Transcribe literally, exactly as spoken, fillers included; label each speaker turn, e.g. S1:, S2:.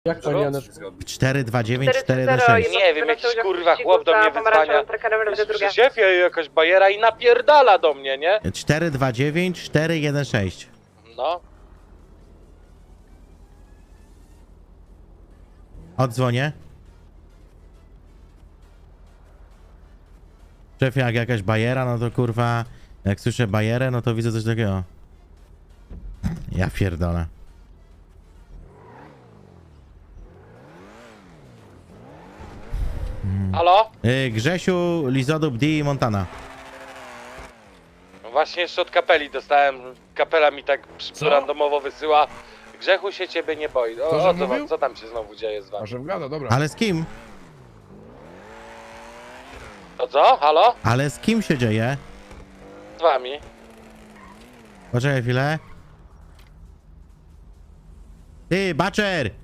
S1: Jak pani Janet?
S2: cztery dwa dziewięć cztery jeden
S3: cztery
S2: sześć.
S3: Nie wiem, jakiś kurwa chłop do mnie wyzwania. Przy szefie jakaś bajera i napierdala do mnie, nie?
S2: cztery dwa dziewięć cztery jeden sześć.
S3: No.
S2: Odzwonię. Szefie, jak jakaś bajera, no to kurwa, jak słyszę bajerę, no to widzę coś takiego. Ja pierdolę.
S3: Halo?
S2: Yy, Grzesiu, Lizodub, D i Montana.
S3: Właśnie jeszcze od kapeli dostałem. Kapela mi tak
S1: Co?
S3: randomowo wysyła. Grzechu się ciebie nie boi. O,
S1: To, że
S3: o co,
S1: mówił?
S3: co tam się znowu dzieje z
S1: A
S3: wami?
S1: szef gada, dobra.
S2: Ale z kim?
S3: To co? Halo?
S2: Ale z kim się dzieje?
S3: Z wami?
S2: Poczekaj chwilę. Ty, Baczer!